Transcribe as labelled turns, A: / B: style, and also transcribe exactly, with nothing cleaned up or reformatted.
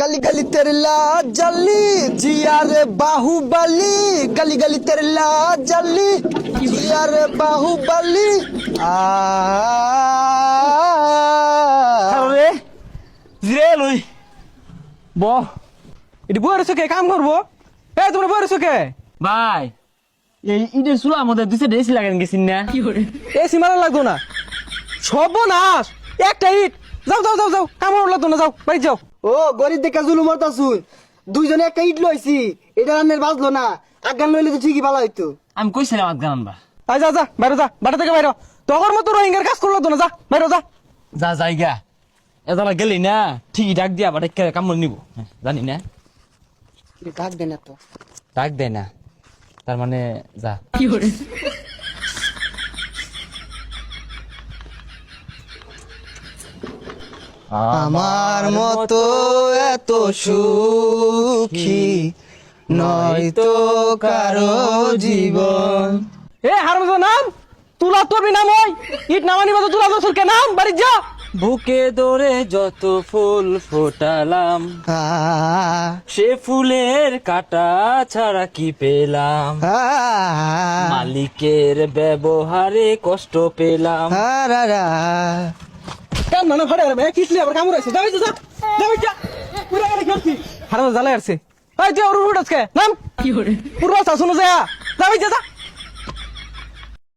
A: गली गली तेरे लाल जली जिया रे बाहुबली गली गली तेरे लाल जली जिया रे बाहुबली आ
B: আরে জিরে লই ব এটি বইরে সুকে কাম করবো এ তোমরা বইরে সুকে
C: ভাই এই ঈদের চুলা আমাদের দুইটা এসি লাগান গেছিন না
B: এ সিমারা লাগতো না সর্বনাশ একটা ইট যাও যাও যাও যাও কাম লাগতো না যাও বাড়ি যাও
A: ও গরিব দেখা জুলুম হতাছুন দুইজনে একটা ইট লইছি এটা রান্নের বাজলো না আগান লইলে তো ঠিকই ভালো হইতো
C: আমি কইছিলাম আজগান আনবা
B: আই যা যা বাইরে যা বাড়ি থেকে বাইরে তখন মতো রোহিঙ্গার কাজ করলো তো না যা বাইরে যা
C: যা জায়গা এদালা গেলি না ঠিকই ডাক দিয়া বাড়ি কামড় নিব হ্যাঁ, জানি না
A: ডাক দেন তো
C: ডাক দেয় না তার মানে যা
A: আমার মতো এত সুখী নয়তো কারো জীবন
B: এ হারমজা নাম তুলা তোরবি নাম ওই ইট নামানি মতো তুলা তোর কে নাম বাড়ি যা
C: বুকে দরে যত ফুল ফোটালাম
A: আ,
C: সে ফুলের কাটা ছাড়া কি পেলাম
A: আ,
C: মালিকের ব্যবহারে কষ্ট পেলাম
A: আ, রা, রা।
B: কাম না ফাড়ে রে কিসলি আবার কামড় আছে যাই যা যাই যা পুরা গাড়ি খেলছি হারমজা জ্বালাই আসছে এই তুই ওর উঠছ কে নাম কি করে পুরো শাসন যা যাই যা যা